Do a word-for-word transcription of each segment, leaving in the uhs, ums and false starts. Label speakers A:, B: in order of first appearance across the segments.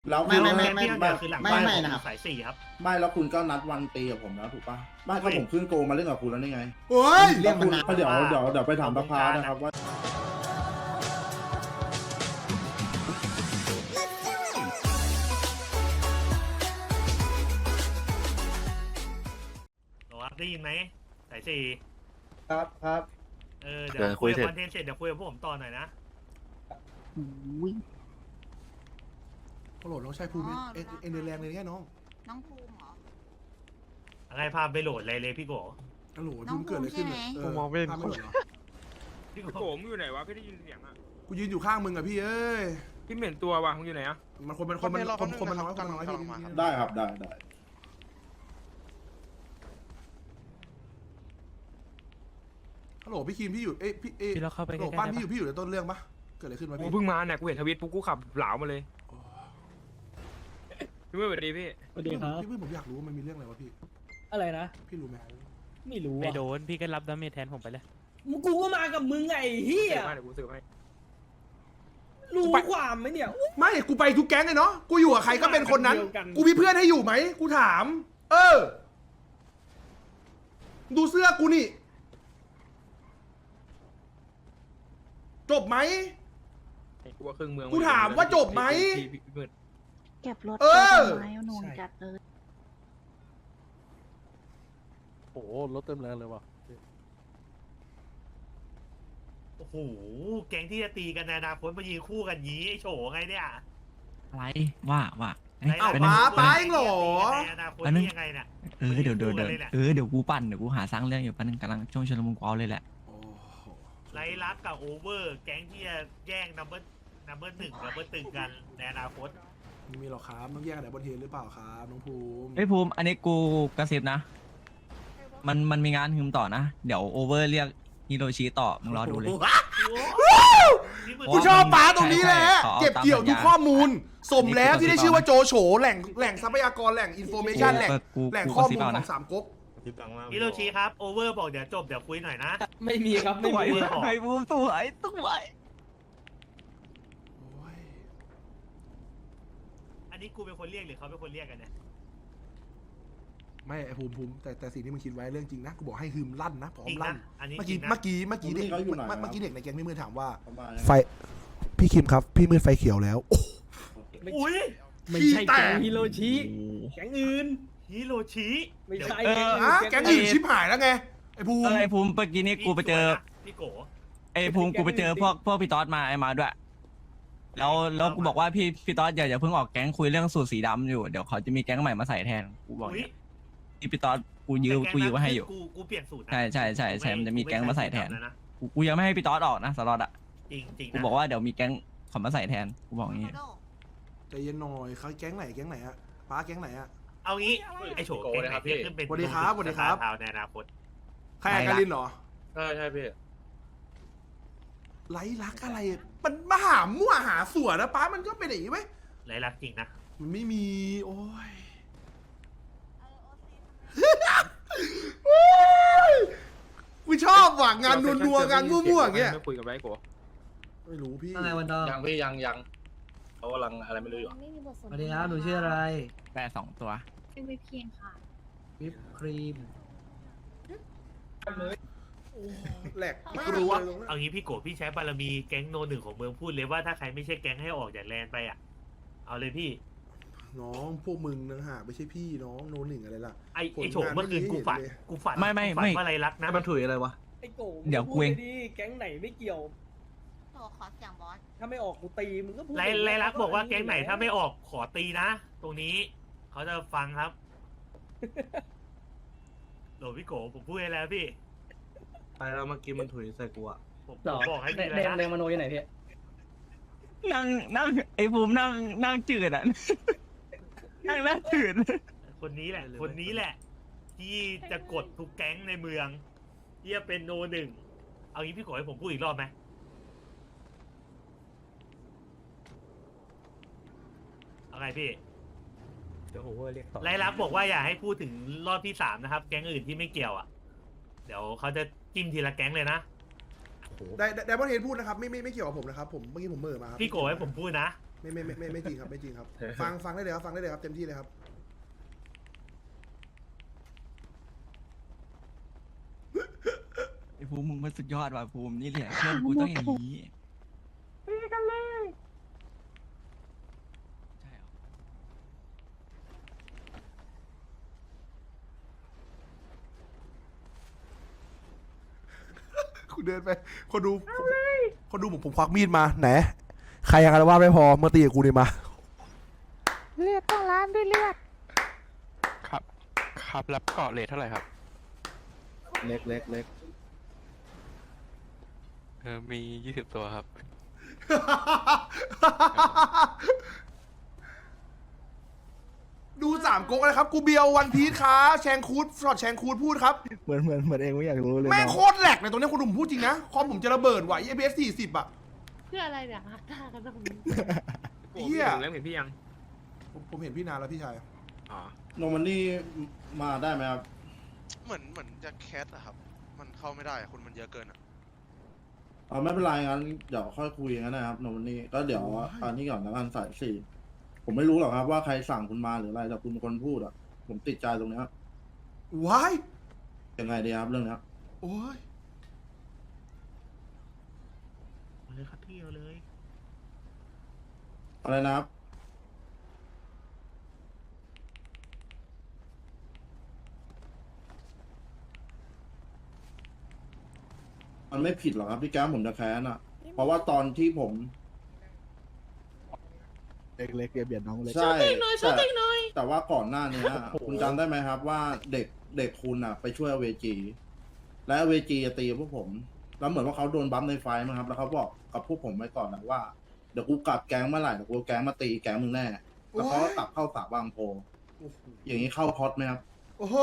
A: แล้ว
B: ไม่ไม่ไม่ไม่
A: ไม่
B: คือหลัง
A: ไม่
B: บ้าน
A: ไม่
B: ผม
A: นะครับ
B: สายสี่ครับ
A: ไม่แล้วคุณก็นัดวันตีกับผมแล้วถูกปะไม่ก็ผมขึ้นโกมาเล่นกับคุณแล้วนี่ไง
C: โอ้ย
B: เรียกมันนาน
A: ก็เดี๋ยว
B: ว่า
A: เดี๋ยวเดี๋ยวไปถามสภานะครับว่า
B: หรอครับได้ยินไหมสายสี่
A: ครับครับ
B: เออเดี๋ยวคุยกับคอนเทนต์เสร็จเดี๋ยวคุยกับพวกผมต่อหน่อยนะ
C: โอ้โหน้องชายภูมิเอ็นเอ็นเดอร์แรงเลยเนี่ยน้อง
D: น้องภูมิเหรอ
B: อะไรพาไปโหลดอะไรเลยพี่โก
C: โอ้โหภูมิเกิดอะไรขึ้นเนี่ย
D: น้องภูมิใช่ไหม
C: ผมมองไม่เห็นคนเหรอ
B: พี่โก
E: โกมอยู่ไหนวะพี่ได้ยินเสียงอ่ะ
C: กูยืนอยู่ข้างมึงอะพี่เอ้ย
E: พี่เหม็นตัววะมึงอยู่ไหนอ่ะ
C: มันคนมันคนมันคนคนมันน้อยคนมันน้อยพี่
A: ได้ครับได้ได้
C: ฮัลโหลพี่คิมพี่อยู่เอ้ยพี่เอ้ย
F: พี่เราเข้าไป
C: ฮัลโหล
F: ใกล้
C: ป้าน
F: ๆได้
C: พี่อ
F: ปะ
C: ยู่พี่อยู่ในต้นเรื่องปะเกิดอะไรขึ้นวะ
E: กู
C: พี่
E: เพิ่งมาเนี่ยกูเห็นทวิตปุ๊บกูขับเหลามาเลยพี่เมื่อวันดีพี่
F: สวัสดีครับ
C: พี่เพื่อนผมอยากรู้ว่ามันมีเรื่องอะไรวะพี่
F: อะไรนะ
C: พี่รู้ไหม
F: ไม่รู้
G: ไม่
F: อ่ะ
G: โดน พี่ก็รับดาเมจแทนผมไปเลย
F: มึงกูก็มากับมึงไงไอ้เฮีย
E: เสือให้เดี๋ยวกูสืบให้
F: รู้ความไหมเนี่ยอุ๊ย
C: ไม่กูไปทุกแก๊งเลยเนาะกูอยู่กับใครก็เป็นคนนั้น
F: เดียวกัน
C: กูมีเพื่อนให้อยู่ไหมกูถาม เออ ดูเสื้อกูนี่ จบไหม
E: กูว่าครึ่งเมือง
C: กูถามว่าจบไหม
E: พี่พี่พี่มืด
D: เก็บรถ
C: เออ
D: ไม้หนูจัดเลย
G: โอ้รถเต็มแรงเลยว่ะ
B: โอ้โหแก๊งที่จะตีกันในอนาคตมายืนคู่กันยี้ไอโฉไงเนี่ย
H: อะไรว่าว่าเอ้ย
C: เอ้า
H: ไป
C: ป้า
H: นั่ง
C: ป้าเองเหรอ
B: ในอนาคตนี่ยังไงเนี่ย
H: เออเดี๋ยวเดี๋ยวเดี๋ยว
B: คู่กันเลยแหละ
H: เออเดี๋ยวกูปั่นเดี๋ยวกูหาสร้างเรื่องอยู่แป๊บนึงกำลังช่วงชุลมุนกูเอาเลยแหละ
C: โอ้โห
B: ไรลักกับโอเวอร์ แก๊งที่จะแย่งนัมเบอร์นัมเบอร์หนึ่งนัมเบอร์ตึงกันในอนาคต
C: ไม่มีหรอกครับต้องแยกกันไหนบนเทนหรือเปล่าครับน้องภูมิ
H: เฮ้ยภูมิอันนี้กูกระซิบนะ มันมันมีงานฮึมต่อนะ เดี๋ยวโอเวอร์เรียกฮิโรชิต่อมึงรอดูเลย
C: กูชอบป้าตรงนี้แหละ
H: ใช่ใช่ขอ
C: เก็บเกี่ยวทุกข้อมูล สมแล้วที่ได้
H: นี่คือ
C: ชื่อว่าโจโฉแหล่งแหล่งทรัพยากรแหล่งอินโฟเมชันแหล่ง
H: กู
C: แหล่ง
H: กู
C: ข้อ
H: กระซิ
C: มู
H: บ
C: ล
H: เอา
C: ข
H: นะ
C: องสามก๊ก
B: ฮิโรชิครับโอเวอร์บอกเดี๋ยวจบเดี๋ยวคุยหน่อยนะ
F: ไม่มีครับไม่
H: สวย
F: มี
H: สวยภูมิสวยสวย
C: โอ้ย
B: อันนี้กูเป็นคนเรียกหรือเขาเป็นคนเรียกกันเนี่ย
C: ไม่ไอภูมิภูมิแต่แต่สิ่งที่มึงคิดไว้เรื่องจริงนะกูบอกให้ฮึมลั่นนะพร้อ
B: จริ
C: ม
B: ง
C: ลั่
B: นะ
C: น
B: อันนี้
C: เมื่อ
B: จริ
C: กี้
B: งนะ
C: เมื่อกี้เมื่อกี้เด็ก
A: เขาอยู่ไหน
C: เมื่อกี้เด็กในแก๊งพี่มือถามว่า
A: ประมาณ
C: ไฟพี่คิมครับ พี่มืดไฟเขียวแล้ว
B: อุ้ย
F: ไม่ใช่แก๊งฮิโรชิแก๊งอื่น
B: ฮิโรชิ
F: ไม่ใช่
H: เออ
C: อ่ะแก๊งอื่นชิบหายแล้วไงไอภู
H: เอ
C: มิ
H: อไอภูมิเมื่อกี้นี้กูไปเจอ
B: พี่โก
H: ไอภูมิกูไปเจอพวกพวกพี่ต๊อดมาไอมาด้วย แล้วแล้วกูบอกว่าพี่พี่ต๊อดอย่าอย่าเพิ่งออกแก๊งคุยเรื่องสูตรสีดำอยู่เดี๋ยวเขาจะมีแก๊งใหม่มาใส่แทนกูบอก
B: อุ้ย
H: เนี่ยพี่พี่ต๊อดกูยืมกูยืมไว้ให้อยู่
B: กูกูเปลี่ยนสูตรนะ
H: ใช่ใช่ใช่ใช่มันจะมีแก๊งมาใส่แทน
B: แล้วนะ
H: กูกูยังไม่ให้พี่ต๊อดออกนะสล็อตอ่ะ
B: จริงจริง
H: กูบอกว่าเดี๋ยวมีแก๊งเขอมาใส่แทนกูบอกอย่างงี้
C: ใจเย็นหน่อยเขาแก๊งไหนแก๊งไหนอะป้าแก๊งไหนอะ
B: เอางี้ไอโฉแก๊งไหนที่ขึ้นเป็น
C: สวัสดีครับสวัสดีครับ
B: สตาทาวน์ในอนาคต
C: ใครอะการินเหรอ
E: ใช่ใช่พี่
C: ไร้รักอะไร มันมาหามั่วหาส่วนนะป้ามันก็เป็นอย่างนี้ไหม
B: ไรลักจริงนะ
C: มันไม่มี โอ้ยกูชอบว่ะงานนัวๆงานมั่วๆอย่างเงี้ย
E: ไม่คุยกับไรโก
C: ไม่รู้พี่
F: อะไรวันดอ
E: ยังพี่ยังยังเขากำลังอะไรไม่รู้อยู่
D: ไม่มีบทสนท
F: สวัสดีครับหนูชื่ออะไร
H: แปรสองตัว
D: ชื่อวิเพียงค่ะ
F: วิปครีม
C: แหลกมาก
B: รู้ว่า
C: เลย
B: เอางี้พี่โกพี่ใช้บารมีแก๊งโนหนึ่งของเมืองพูดเลยว่าถ้าใครไม่ใช่แก๊งให้ออกจากแลนด์ไปอ่ะเอาเลยพี่
C: น้องพวกมึงนะฮะไม่ใช่พี่น้องโนหนึ่งอะไรล่ะ
B: ไอไอโฉมเมื่อคืนกูฝันกูฝัน
H: ไม่ไม่
B: ฝัน
H: ไม่
B: ว่าไรลักนะ
G: มันถุยอะไรวะ
F: ไอ้โก
H: เดี๋ยวกูเอง
F: พูดไปดิแก๊งไหนไม่เกี่ยว
D: โทรขอเสียงบอส
F: ถ้าไม่ออกกูตีมึงก็พูด
B: ไรไรลักบอกว่าแก๊งไหนถ้าไม่ออกขอตีนะ ตรงนี้เขาจะฟังครับโหลพี่โกผมพูดให้แล้วพี่
G: ไปแล้วเมื่อกี้มันถุยใส่กูอะ
B: ผม
F: หรอ
B: ผมบอกให้
F: แด
B: พี่
F: ง
B: แล้ว
F: แดง
B: นะ
F: มโนอยู่ไหนพี่
H: นั่งนั่งไอภูมินั่งนั่งจืดอ่ะ นั่งนั่งจืด
B: คนนี้แหละ คนนี้แหละ ที่จะกดทุกแก๊งในเมืองที่จะเป็นโนหนึ่งเอางี้พี่โกให้ผมพูดอีกรอบไหมเอาไงพี่
G: เดี๋ยวโอเวอร์เรียกต่อ
B: ไรลักษณ์บอกว่าอย่าให้พูดถึงรอบที่สามนะครับ แก๊งอื่นที่ไม่เกี่ยวอ่ะ เดี๋ยวเขาจะจิ้มทีละแก๊งเลยนะ
C: ไดไดมอนเฮดพูดนะครับไม่ไม่ไม่เกี่ยวกับผมนะครับผมเมื่อกี้ผมเหม่อมาครับ
B: พี่โกให้ผมพูดนะ
C: ไม่ไม่ไม่ไม่ไม่จริงครับไม่จริงครับ ฟังฟังได้เลยครับฟังได้เลยครับเต็มที่เลยครับ
H: ไอ้ภูมิมึงมันสุดยอดว่ะภูมินี่แหละเพื่อนกูต้องอย่างนี้ตีกันเลยใช่เหรอ
C: คุณเดินไปคนดูคนดูผมผมควักมีดมาไหนใครยังอาละวาดไม่พอมาตีกับกูนี่มา
D: เลือดต้องล้านด้วยเลือด
I: ครับ ครับรับเกาะเลทเท่าไหร่ครับ
A: เล็กเล็กเล็ก
I: เออ มียี่สิบตัวครับ
C: ดูสามก๊กเลยครับ กูเบียววันพีชค้าแชงคูดช็อตแชงคูดพูดครับ
A: เหมือนเหมือนเหมือนเองไม่อยากรู้เลย
C: แม่งโคตรแหลกในตรงนี้คุณดูผมพูดจริงนะ คอมผมจะระเบิดไหว เอ พี เอส สี่สิบอ่ะ
D: เพื่ออะไรเนี่ยฮักท่ากันตรงนี้
C: เหี้ย
E: เล่มเห็นพี่ยัง
C: ผมผมเห็นพี่นานแล้วพี่ชาย
E: อ๋อ
A: โนมันนี่มาได้ไหมครับ
J: เหมือนเหมือนจะแคสอะครับ มันเข้าไม่ได้อะคนมันเยอะเกินอะ
A: เออไม่เป็นไรงั้นเดี๋ยวค่อยคุยกันนะครับโนมันนี่ก็เดี๋ยวอันนี้ก่อนแล้วกันสายสี่ผมไม่รู้หรอกครับว่าใครสั่งคุณมาหรืออะไรแต่คุณเป็นคนพูดอ่ะผมติดใจตรงเนี้ย
C: ว้าย
A: ยังไงดีครับเรื่องเนี้ย
C: โอ้ย
B: เอาเลยครับพี่เอาเลย
A: อะไรนะครับมันไม่ผิดหรอกครับที่แก้มผมจะแค้นอ่ะ เพราะว่าตอนที่ผม
G: เล็กๆเบียดน้องเล็ก
A: ใช่แต่แต่ว่าก่อนหน้านี้อะคุณจำได้ไหมครับว่าเด็กเด็กคุณอ่ะ ไปช่วยเวจี และเวจีจะตีพวกผม แล้วเหมือนว่าเขาโดนบัมในไฟมั้งครับ แล้วเขาบอกกับพวกผมไว้ก่อนนะว่าเดี๋ยวกูกลับแก๊งเมื่อไหร่เดี๋ยวกูเอาแก๊งมาตีแก๊งมึงแน่ แล้วเขาก็กลับเข้าสาบางโพ อย่างนี้เข้าพอดไหมครับ
C: โอ้โห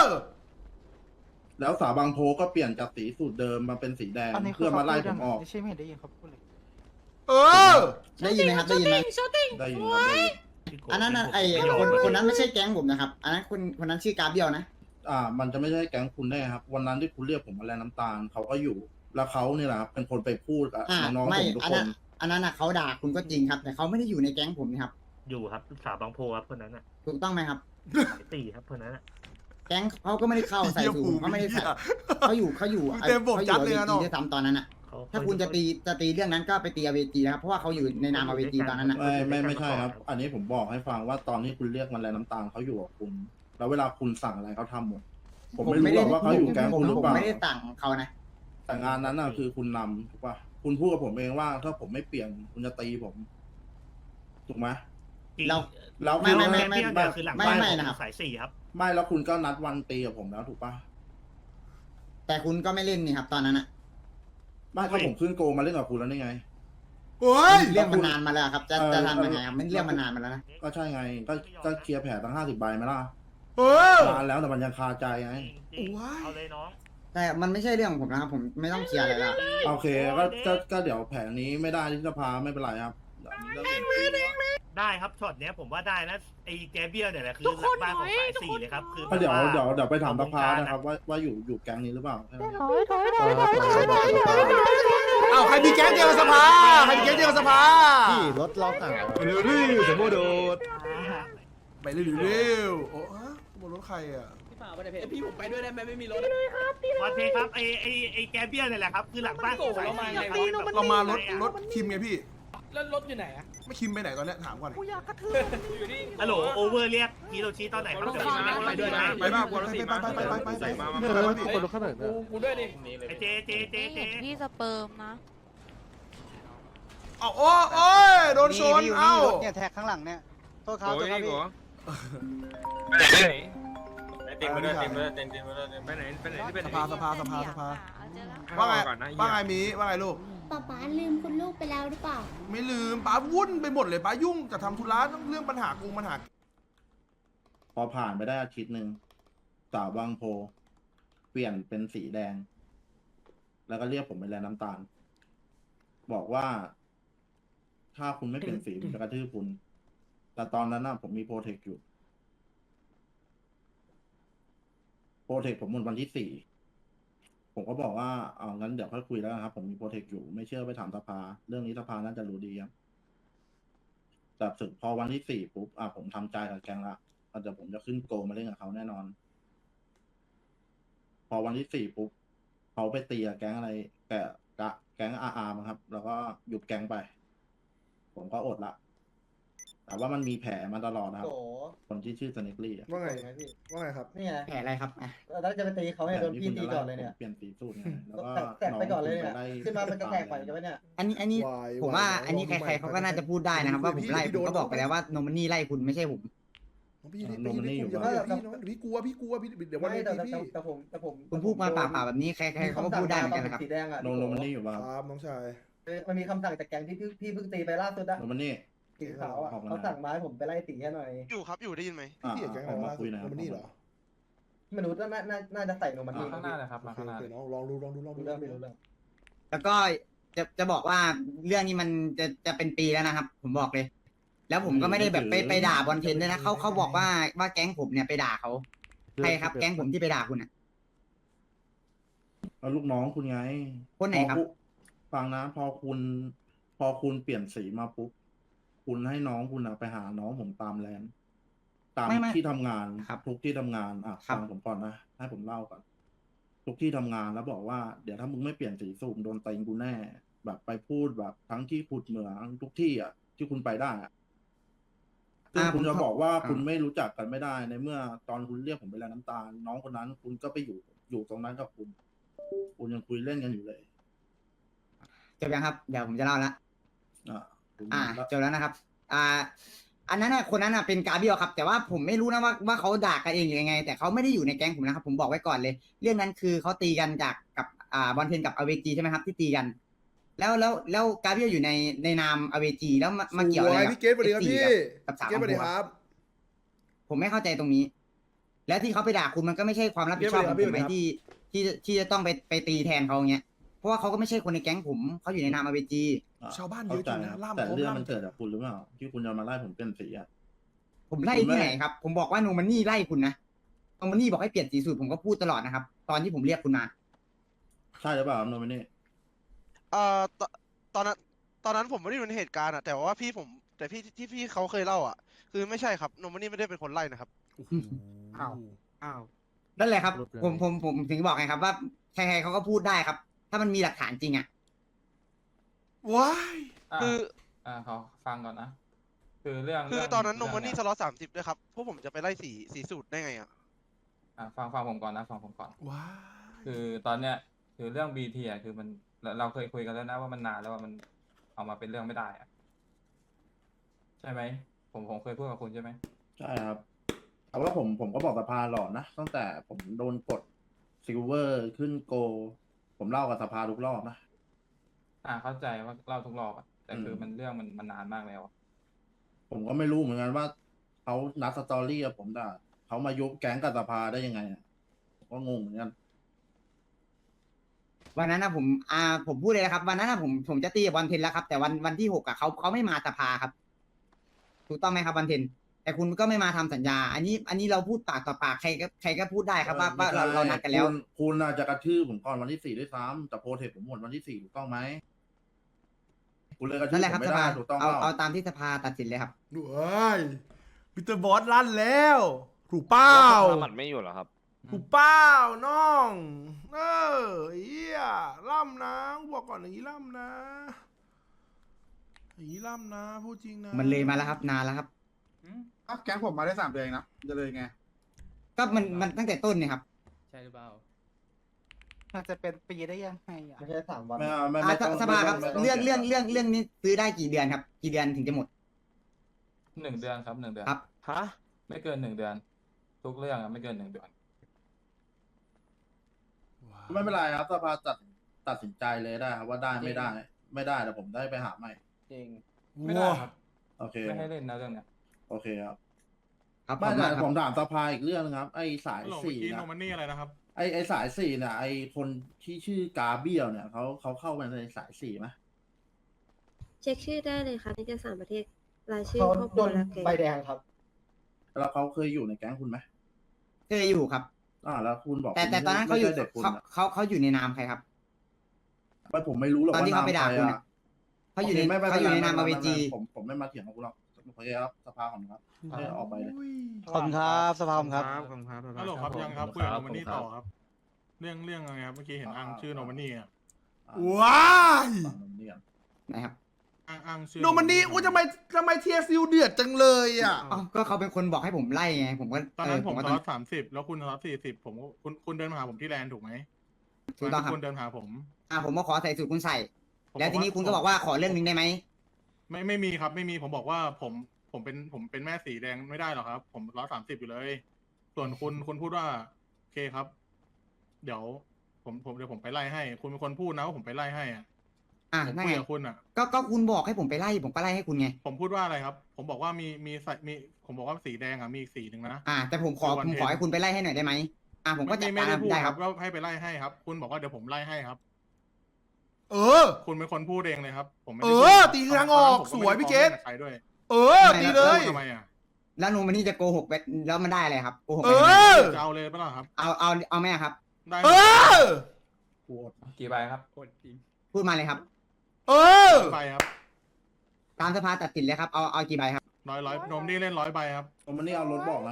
A: แล้วสาบางโพก็เปลี่ยนจากสีสูตรเดิมมาเป็นสีแดงเพื่อมาไล่ผมออก
G: ใช่ไม่ได้ยินเขาพูดเลย
C: เออ
K: ได้ยินไหมครับได้ยินไหม
A: ได้ยินครับได้ยิน
B: พี่โก
K: อันนั้นน่ะ
B: พี่
K: ไอ้
B: โก
K: คน
B: ม่ยม
K: คนนั้นไม่ใช่แก๊งผมนะครับ อันนั้นคนคนนั้นชื่อกราฟเบียวนะ
A: อ่า มันจะไม่ใช่แก๊งคุณได้ครับ วันนั้นที่คุณเรียกผมมาแลน้ำตาลเขาก็อยู่ แล้วเขาเนี่ยแหละครับเป็นคนไปพูดกับ
K: อ่า
A: น้องๆ
K: ไม่
A: ผมทุก
K: อัน
A: ค
K: นั้น นอันนั้นน่ะเขาด่าคุณก็จริงครับ แต่เขาไม่ได้อยู่ในแก๊งผมนะครับ
B: อยู่ครับสาวบางโพครับคนนั้นอ่ะ
K: ถูกต้องไหมครับ
B: สายตีครับคนนั้นอ่ะ
K: แก๊งเขาก็ไม่ได้เข้าใส่สูงเขาไม่ได้ใส่เขาอยู่เขาอยู่
C: เต็มบท
K: เขาอ
C: จัด
K: ยู่
C: เลย
K: เว
C: นะ
K: ที
C: น้อง
K: ด้วยซ้ำตอนนั้นอ่ะ
B: เขา
K: ถ้าคุณจะตีจะตีเรื่องนั้นก็ไปตีอเวจีนะครับ เพราะว่าเขาอยู่ในนามอเวจีตอนนั้นอ่ะ
A: ไม่ไม่ไม่ใช่ครับ อันนี้ผมบอกให้ฟังว่าตอนที่คุณเรียกมันแลน้ำตาลเขาอยู่กับคุณ แล้วเวลาคุณสั่งอะไรเขาทำหมด ผมไม่รู้หรอกว่าเขาอยู่แก๊ง
K: ผม
A: คุณหรือ
K: ผม
A: เปล่า
K: ไม่ได้สั่งเขานะ
A: แต่งานนั้นน่ะคือคุณนำถูกป่ะคุณพูดกับผมเองว่า ถ้าผมไม่เปลี่ยนคุณจะตีผม ถูกไหม
K: เรา
A: แล้ว
K: ไม่ไม่ไม่
B: แค่เดียวเดียวคือหลัง
K: ไม่
B: บ้าน
K: ไม่
B: ผม
K: นะครับ
B: สายสี่ครับ
A: ไม่แล้วคุณก็นัดวันตีกับผมแล้วถูกป่ะ
K: แต่คุณก็ไม่เล่นนี่ครับ ตอนนั้นอ่ะ
A: ไม่ก็ผมขึ้นโกมาเล่นกับคุณแล้วนี่ไง
C: โอ้ย
K: เรื่องมันนานมาแล้วครับ จะ
A: เออ
K: จะทำยังไงครับมันเรื่องมันนานมาแล้วนะ
A: ก็ใช่ไง ก็ก็เคลียร์แผลตั้งห้าสิบใบไหมล่ะ
C: เออ
A: นานแล้วแต่มันยังคาใจไง
B: จริงๆ
C: ว้าย
B: เอาเลยน้อง
K: แต่มันไม่ใช่เรื่องของผมนะครับ ผมไม่ต้องเคลียร์อะไรแล้ว
A: โอเคก็ก็ก็เดี๋ยวแผนนี้ไม่ได้ที่สภาไม่เป็นไรครับเดี๋ยวเรื่องอื่นคุยกัน
B: ได้ครับช็อตเนี้ยผมว่าได้นะไอ้แกเบียลเนี่ยแหละคือหลังบ้านของสายสี่เลยครับคือ
A: ก็เดี๋ยว
B: แบบา
A: เดี๋ยวเดี๋ยวไปถามสภานะครับ ว่าว่าอยู่อยู่แก๊งนี้หรือเปล่าแค่นั้น
D: ถอยถอยถอยถอยถอยถอย
C: อ้าวใครมีแก๊งเดียวกับสภาใครมีแก๊งเดียวกับสภา
G: พี่รถล็อกอ่ะ
C: เร็วดิสมมติโดดไปเร็วเร็วโอ้ฮะบนรถใครอ่ะ
F: พี่เปล่าไปไหนพี่ผมไปด้วยได้ไหมไม่มีรถ
B: วันเพครับไอ้ไอ้ไอ้แกเบียลเนี่ยแหละครับคือหลังบ้านของสายสี่เลยครับ
C: เรามารถรถคิมไงพี่
F: แล้วรถอยู่ไหนอะ
C: ไม่คิมไปไหนตอนเนี้ยถามก่อน
F: อยู่นี่
B: ฮัลโหลโอเวอร์เรียกฮิโรชิตอนไหนครับเดี๋ยว
E: ไปด้วยนะ
C: ไปบ้างไปไปไปไปไปไป
E: ใส่มา
G: เนี่ยแล้วมีคนรถข้างหลัง
F: กู
G: เนี่ย
F: กูด้วยดิ
B: ไอ้เจเจเจเจ
D: ที่สเปิร์มนะ
C: เอาโอ้โอ้ยโดนชนเอ้า
G: เนี่ยแท็กข้างหลังเนี่ยโทษครับ
E: โอ้
G: โทษ
E: ย
G: ครับ
E: นี่
G: พี่
E: หัวไปไหนเต็มไปด้วยเต็มไปด้วยเต็มเต็มไปด้วยไปไหนไปไหนที่เป็น
C: สภาสภาสภาสภา
D: เจอแล้ว
C: ว่าไง
E: ก่อนนะ
C: ว่าไงมีว่าไงลูก
D: ป๊าป๊าลืมคุณลูกไปแล้วหรือเปล่า
C: ไม่ลืมป้าวุ่นไปหมดเลยป้ายุ่งกับทำธุระเรื่องปัญหากูปัญหา
A: พอผ่านไปได้อาทิตย์หนึ่งสาวบางโพ เปลี่ยนเป็นสีแดง แล้วก็เรียกผมไปแลน้ำตาล บอกว่า ถ้าคุณไม่เปลี่ยนสีผมจะกระทืบคุณ แต่ตอนนั้นน่ะผมมีโปรเทคอยู่ โปรเทคผมหมดวันที่สี่ ผมก็บอกว่าเอางั้นเดี๋ยวค่อยคุยแล้วนะครับ ผมมีโปรเทคอยู่ ไม่เชื่อไปถามสภา เรื่องนี้สภาน่าจะรู้ดีครับ แแต่ถึงพอวันที่สี่ปุ๊บอ่ะผมทำใจกับแกงละอาจจะผมจะขึ้นโกมาเล่นกับเขาแน่นอน พอวันที่สี่ปุ๊บเขาไปตีกับแก๊งอะไรแกกะแก๊งอาร์มครับ แล้วก็หยุดแก๊งไป ผมก็อดละ แต่ว่ามันมีแผลมาตลอดนะครับ
K: โอ้
A: คนที่ชื่อสเนกลี่
C: ว่าไงว่าไงครับ
K: นี่ไงแผลอะไรครับอ่ะแล้วจะไปตีเขาให้โดนพี่ตีก่อนเลยเนี่ย
A: เปลี่ยนสีสูตรไงแล้วก็
K: แตกไปก่อนเลยเนี่ย
A: ง
K: ขึ้นมามันจะแตกไปกันไหมเนี่ย
G: อันนี้อันนี้
C: วาย
G: ผมว่า
C: วาย
G: อันนี้
C: วาย
G: ใครๆเขาก็น่าจะพูดได้นะครับ ว่าผมไล่
C: พี่
G: ผม
C: โดน
G: ก็บอกไปแล้วว่าโนมันนี่ไล่คุณไม่ใช่ผม
C: น้องพี่พี่พี่พี่อย่าพี่น้องพี่กลัวพี่กลัวพี่เดี๋ยววัน
K: ไม่
C: นี้
K: แต่
C: พี่
K: แต่แต่ผมแต่ผม
G: คุณพูดมาเปล่าๆแบบนี้ใครๆเขาก็พูดได้เหมือนกันนะครับ
K: สีแดงอ่ะ
A: โนโนมันนี่อยู่ป่ะครับ
C: ครับน้องชาย
K: มันมีคำสั่งจากแก๊งที่พี่พี่เพิ่งตีไปล่าสุดอะ
A: โนมันนี่
K: สีขาวอ่ะ
A: ออกมา
K: เขาสั่งมาให้ผมไปไล่ตีแค่หน่อย
J: อยู่ครับอยู่ได้ยินไหม
A: อ่า
C: พี่เอกแก๊ง
A: อ
C: อะไร
A: อกมาว
C: ะ
A: คุยหนะครับ
C: มันนี่เหรอ
K: ไม่รู้น่าน่าน่าจะใส่โนมันนี่
E: ข้างหน้าเลยครับมาข้างหน้า
C: โอเคน้องลองดูลองดูลองดู
K: รู้เรื่องไม่รู้เรื่อง
G: แล้วก็จะจะบอกว่าเรื่องนี้มันจะจะเป็นปีแล้วนะครับ ผมบอกเลย แล้วผมก็ไม่ได้แบบไปไปด่าบอลเทนด้วยนะเขาเขาบอกว่าว่าแก๊งผมเนี่ยไปด่าเขาใครครับแก๊งผมที่ไปด่าคุณอ่ะ
A: เอาลูกน้องคุณไง
G: คนไหนครับ
A: พอณฟังนะ พอคุณ พอคุณเปลี่ยนสีมาปุ๊บคุณให้น้องคุณอะไปหาน้องผมตามแลนด์ตาม
G: ไม่ไม่
A: ที่ทำงาน
G: ครับ
A: ทุกที่ทำงานอ่ะ
G: ครับ
A: ฟังผมก่อนนะให้ผมเล่าก่อนทุกที่ทำงานแล้วบอกว่าเดี๋ยวถ้ามึงไม่เปลี่ยนสีสูบโดนเต็งกูแน่ แบบไปพูดแบบทั้งที่ขุดเหมืองทุกที่อ่ะ ที่คุณไปได้อ่ะซึ่ง
G: อ่า
A: คุณจะ
G: ผมขอ
A: บอกว่า
G: อ่า
A: คุณไม่รู้จักกันไม่ได้ในเมื่อตอนคุณเรียกผมไปแล้วน้ำตาล น้องคนนั้น คุณก็ไปอยู่อยู่ตรงนั้นกับคุณ คุณยังคุยเล่นกันอยู่เลย
G: จบยังครับเดี๋ยวผมจะเล่าละ
A: อ่าคุณ
G: อ่า
A: แล้ว
G: จบแล้วนะครับ อ่า อันนั้นน่ะคนนั้นน่ะเป็นกาเบียลครับ แต่ว่าผมไม่รู้นะว่าว่าเขาด่ากันเองหรือยังไง แต่เขาไม่ได้อยู่ในแก๊งผมนะครับ ผมบอกไว้ก่อนเลย เรื่องนั้นคือเขาตีกันจากกับอ่าบอลเทนกับอเวจีใช่ไหมครับที่ตีกัน แล้วแล้วแล้วกาเบียลอยู่ในในนามอเวจีแล้วมามาเกี่ยวอะไร
C: สวย
G: กับ
C: พี่เกตสวัสดีครับพี่
G: กับสาว
C: เกตสวัสดีครับ
G: ผมไม่เข้าใจตรงนี้ แล้วที่เขาไปด่าคุณมันก็ไม่ใช่ความรับผิดชอบของผมไหม
C: เกตสวัสดีครับ
G: ที่ที่ที่จะต้องไปไปตีแทนเขาอย่างเงี้ยเพราะว่าเขาก็ไม่ใช่คนในแก๊งผมเขาอยู่ในนามอเวจี
A: อ่ะ
C: ชาวบ้านเยอะจริงนะ
A: ข้าใจ
C: ล่าม
A: แต่
C: พร้อม
A: เรื่อง
C: ล่าม
A: มันเกิดจากคุณหรือเปล่าที่คุณจะมาไล่ผมเปลี่ยนสีอ่ะ
G: ผมไล่
A: ผมไม่
G: ที่ไหนครับ ผมบอกว่าโนมันนี่ไล่คุณนะโนมันนี่บอกให้เปลี่ยนสีสูตรผมก็พูดตลอดนะครับ ตอนที่ผมเรียกคุณมา
A: ใช่หรือเปล่าโนมินี
J: เอ่อตตอนนั้นตอนนั้นผมไม่ได้อยู่ในเหตุการณ์อะแต่ว่าพี่ผมแต่พี่ที่พี่เขาเคยเล่าอะคือไม่ใช่ครับโนมันนี่ไม่ได้เป็นคนไล่นะครับ
G: อ้าว อ้าวนั่นแหละครับ ผมผมผมถึงบอกไงครับว่าใครๆเขาก็พูดได้ครับ ถ้ามันมีหลักฐานจริงอ่ะ
C: ว้าย
J: คือ
E: อ่าเขาฟังก่อนนะ คือเรื่อง
J: คือ
E: เรื่ง
J: ตอนนั้นโน
E: เรื่ง
J: มันนี่
E: เย
J: สล็อตสามสิบด้วยครับพวกผมจะไปไล่สีสีสูตรได้ไงอะ
E: อ่าฟังฟังผมก่อนนะฟังผมก่อน
C: ว้าย
E: คือตอนเนี้ยคือเรื่องบีทีอ่ะคือมันเราเราเคยคุยกันแล้วนะว่ามันนานแล้วว่ามันเอามาเป็นเรื่องไม่ได้อ่ะใช่ไหมผมผมเคยพูดกับคุณใช่ไหม
A: ใช่ครับแต่ว่าผมผมก็บอกสภาหลอดนะตั้งแต่ผมโดนกดซิลเวอร์ขึ้นโก ผมเล่ากับสภาทุกรอบนะ
E: อ่าเข้าใจว่าเล่าทุกรอบอ่ะแต่คือ
A: อืม
E: มันเรื่องมันมันนานมากแล้วอะ
A: ผมก็ไม่รู้เหมือนกันว่าเขานัดสตอรี่กับผมด่าเขามายุบแก๊งกับสภาได้ยังไงอะผมก็งงเหมือนกัน
G: วันนั้นนะผมอ่าผมพูดเลยนะครับ วันนั้นนะผมผมจะตีกับบอลเทนแล้วครับ แต่วันวันที่หกอะเขาเขาไม่มาสภาครับ ถูกต้องไหมครับบอลเทน แต่คุณก็ไม่มาทำสัญญา อันนี้ อันนี้เราพูดปากต่อปากใครก็ใครก็พูดได้ครับว่าว่าเราเรานัดกันแล้ว
A: คุณคุณน่าจะกระทืบผมก่อนวันที่สี่ด้วยซ้ำแต่โปรเทคผมหมดวันที่สี่ถูกต้องไหมคุณเลยกระทื
G: นั่
A: บ
G: นแหละ
A: ผ
G: ครับ
A: มไม่
G: ส
A: ได้
G: ภา
A: ถูกต้อง
G: เอา
A: เปล่า
G: เอาตามที่สภาตัดสินเลยครับ
C: ว้ายมิสเตอร์บอสลั่นแล้วถูกเป้า
I: มันไม่อยู่เหรอครับ
C: ถูกเป้าน้อง เออเฮียล่ำนะบอกก่อนอย่างนี้ล่ำนะอย่างนี้ล่ำนะพูดจริงนะ
G: มันเลยมาแล้วครับ นานแล้วครับ
K: อ้าวแก๊งผมมาได้สามเดือนนะจะเลยไง
G: ก็มันมันตั้งแต่ต้นเนี่ยครับ
E: ใช่หรือเปล่า
K: มันจะเป็นปีได้ยังไงอ่ะไม่ใช่สามวัน
A: ไม่เอาไม่
G: อ่า
A: ไม่ต้อง
G: สภาครับ
A: ไม่ต้
G: เรื่อง
A: สีย
G: เรื่องเรื่องเรื่องนี้ซื้อได้กี่เดือนครับ กี่เดือนถึงจะหมด
E: หนึ่งเดือนครับหนึ่งเดือน
G: ครับ
I: ฮะ
E: ไม่เกินหนึ่งเดือน ทุกเรื่องอะไม่เกินหนึ่งเดือน
A: ไม่เป็นไรครับสภาตัดตัดสินใจเลยได้ครับว่าได้ไม่ได้ ไม่ได้แต่ผมได้ไปหาใหม่
F: จริง
E: ไม่ได้ครับ
A: โอเค
E: ไม่ให้เล่นนะเรื่องเนี้ย
A: โอเคครับ
G: ครับ
A: ไม่
G: ขอบคุณ
A: แต่
G: มากครับ
A: ผมถามสภาอีกเรื่องนึงครับ ไอ้สายสี่นะ
I: มันนี่อะไรนะครับ
A: ไอ้ไอ้สายสี่เนี่ยไอ้คนที่ชื่อกาเบียลเนี่ยเขาเขาเข้ามาในสายสี่ไหม
D: เช็คชื่อได้เลยค่ะที่จะสามประเทศรายชื่อ
K: เขา
D: ครอบค
K: โด
D: รัวน และแกง
K: ใบแดงครับ
A: แล้วเขาเคยอยู่ในแก๊งคุณไหม
G: เคยอยู่ครับ
A: อ่าแล้วคุณบอก
G: แต่แต่
A: คุณ
G: ตอนนั้น
A: ไม่
G: เขาอยู่
A: ใช่เด็กคุณ
G: เขา
A: อะ
G: เขาเขาอยู่ในนามใครครับ
A: ไม่ผมไม่รู้หรอก
G: ตอนที่
A: ว่
G: เขาไปด่า
A: ใร
G: คุณ
A: อะ
G: อะเขาอยู่ใน
A: โคไม่ไม่
G: เขาอยู่ในนาม
A: ไเป็
G: อ
A: ไร
G: เว
A: ไม่
G: จี
A: ไม่ผมผมไม่มาเถียงกับคุณหรอกโอเคครับสภาของครับให้ออกไปเลย
C: ขอบคุณครับสภาครับ
L: ฮัลโหลครับยังครับคุยกับโนมันนี่ต่อครับ เรื่องเรื่องอะไรครับเมื่อกี้เห็นอ้างชื่อโนมันนี่อ่ะ
C: ว้าย
A: ฝั่งนมเนี่ย
K: นะครับ
L: อ้างอ้างชื่อ
C: โนมันนี่อู้ทำไมทำไมเทียซิลเดือดจังเลยอ่ะ
K: อ๋อก็เขาเป็นคนบอกให้ผมไล่ไง ผมก็
L: ตอน
K: เอ
L: นั้
K: อน
L: ผม
K: ก็
L: ส
K: ต้อ
L: ล็
K: ง
L: อตสามสิบแล้วคุณสล็อตสี่สิบผมก็คุณคุณเดินมาหาผมที่แลนด์ถูกไหม
K: ถูกต้องครับ
L: คุณเดินหาผม
K: อ่าผมมาขอใส่สูตรคุณใส่
L: ผม
K: แล้วทีนี้คุณก็บอกว่าขอเรื่องหนึงได้ไหม
L: ไม่ไม่มีครับไม่มีผมบอกว่าผมผมเป็นผมเป็นแม่สีแดงไม่ได้หรอกครับ ผมร้อยสามสิบอยู่เลย ส่วนคุณคุณพูดว่าโอเคครับ เดี๋ยว ผมผมเดี๋ยวผมไปไล่ให้ คุณเป็นคนพูดนะว่าผมไปไล่ให้อ่ะ
K: อ่า
L: ผม
K: นั่น
L: คุย
K: ไง
L: กับคุณอ่ะ
K: ก็ก็คุณบอกให้ผมไปไล่ผมก็ไล่ให้คุณไง
L: ผมพูดว่าอะไรครับ ผมบอกว่ามีมีใส่มีผมบอกว่าสีแดงอ่ะมีอีกสีหนึ่งนะ
K: อ่า แต่ผมขอ
L: คือวัน
K: ผมขอ
L: เพ็ญ
K: ให้คุณไปไล่ให้หน่อยได้ไหมอ่าผมก็จัด
L: ไม่
K: การ
L: ไม่ได้พูด
K: ได้
L: ค
K: ค
L: รั
K: รั
L: บบ ว่าให้ไปไล่ให้ครับ คุณบอกว่าเดี๋ยวผมไล่ให้ครับ
C: เออ
L: คุณเป็นคนพูดเองเลยครับ ผมไม่
C: เอ
L: ได้พูด
C: อ
L: ครับ
C: ตีทางออก
L: ตนนั้นผม
C: สวย
L: ไม่ได้
C: พี่เกต
L: ฟ้องกับใครด้วย
C: เออดีเลย
L: พูดทำไมอ่ะ
K: แล้วโนมันนี่จะโกหกไปแล้วมันได้อะไรครับโกหก
C: เอ
K: ไปทำไม
C: อ
L: จะเอาเลยปะล่ะครับ
K: เอาเอาเอาไหมอะครับ
L: ได้
C: เออ
A: กูอด
E: กี่ใบครับ
K: พูดมาเลยครับ
C: เออ
L: ไปครับ
K: ตามสภาตัดสินเลยครับเอาเอากี่ใบครับ
L: ร้อยร้อยนมนี่เล่นร้อยใบครับ
A: นมมันนี่เอารถบอกนะ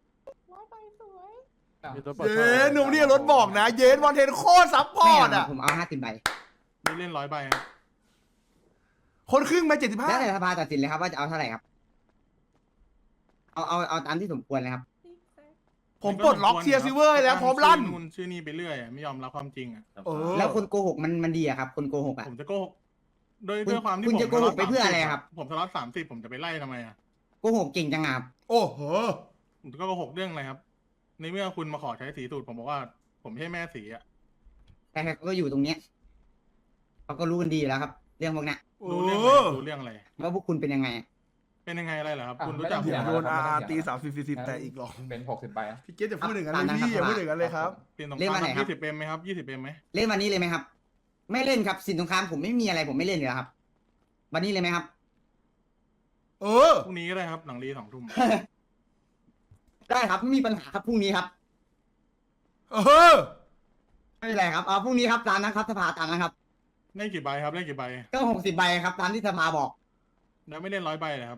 C: เย้หนุ่มเนี่ยรถบอกนะ เย้บอลเทนโคตรซับพอ
K: ไม่
C: ร์ต
K: เอา
C: อ่ะ
K: ผมเอาห้าสิบใบ
L: นี่เล่นร้อยใบครับ
C: คนครึ่งไปเจ็ดสิบห้า
K: แล้วแต่สภาตัดสินเลยครับว่าจะเอาเท่าไหร่ครับ เอาเอาเอาตามที่สมควรเลยครับ
C: ผมปลดล็อกเทียซิเวอร์แล้วพร้อมลั่น
L: ชื่อนู่นชื่อนี่ไปเรื่อยอะไม่ยอมรับความจริงอ่ะ
C: เออ
K: แล้วคนโกหกมันมันดีอะครับ คนโกหกอะ
L: ผมจะโกหกด้วย
K: คุณ
L: ด้วยความที่
K: คุณ
L: ผม
K: จะโกหกไปเพื่ออะไรครับ
L: ผมสล็อตสามสิบผมจะไปไล่ทำไมอ่ะ
K: โกหกเก่งจังอะครับ
C: โอ้โห
L: ผมก็โกหกเรื่องอะไรครับ ในเมื่อคุณมาขอใช้สีสูตรผมบอกว่า ผมไม่ใช่แม่สีอ่ะ
K: แต่เขาก็อยู่ตรงเนี้ยเขาก็รู้กันดีอยู่แล้วครับ เรื่องพวกเนี้ย
L: รู้เรื่องอะไรรู้เรื่องอะไร
K: ว่าพวกคุณเป็นยังไงอะ
L: เป็นยังไงอะไรเหรอครับ
E: อ่ะ
L: คุณรู้จักผ
E: ไม่
C: เดี๋ยว
L: ม
C: โดน
E: ไม่
C: อา
E: ต้องเถียง
C: ตีสามสิบสี่สิบแต่อีกหรอก
E: เป็นหกสิบใบอะ
C: พี่เกตจะพูดอย่างนั้นเลยพี่อย่าพูดอย่างนั้นเลยครับ
L: เปลี่ยนสงค
K: เล่น
L: ราม
K: วันไหนครับ
L: ยี่สิบเอ็มไหมครับยี่สิบเอ็มไหม
K: เล่นวันนี้เลยไหมครับ ไม่เล่นครับสินสงครามผมไม่มีอะไรผมไม่เล่นอยู่แล้วครับ วันนี้เลยไหมครับ
C: เออ
L: พรุ่งนี้ก็ได้ครับหลังรีสองทุ่ม
K: ได้ครับไม่มีปัญหาครับพรุ่งนี้ครับ
C: เออ
K: ไม่เป็นไรครับเอาพรุ่งนี้ครับตามนั้นครับสภาตามนั้นครับ
L: เล่นกี่ใบครับเล่นกี่ใบ
K: ก็หกสิบใบครับตามที่สภาบอก
L: แล้วไม่เล่นร้อยใบเลยครับ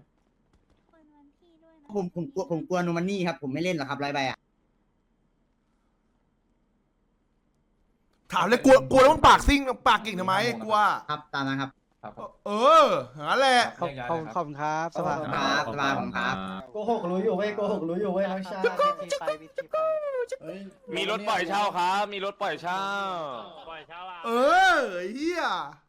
K: ผมผมกลัวผมกลัวโนมันนี่ครับผมไม่เล่นหรอกครับไรใบอ่ะ
C: ถามเลยกลัวกลัวแล้วมันปากซิ่งปากเก่งทำไมกลัว
K: ครับตามนั้นครับ
E: ครับผม
C: เออหาแหละ
E: ขอบขอบขอบคุณครับ
K: สภาครับสภาผมครับ
F: โกหกรู้อยู่เว้ยโกหกรู้อยู่เว้ยน้องชาย
A: เอ้ย
I: มีรถปล่อยเช่าครับ มีรถปล่อยเช่า
B: ปล่อยเช้าอ่ะ
C: เออเฮีย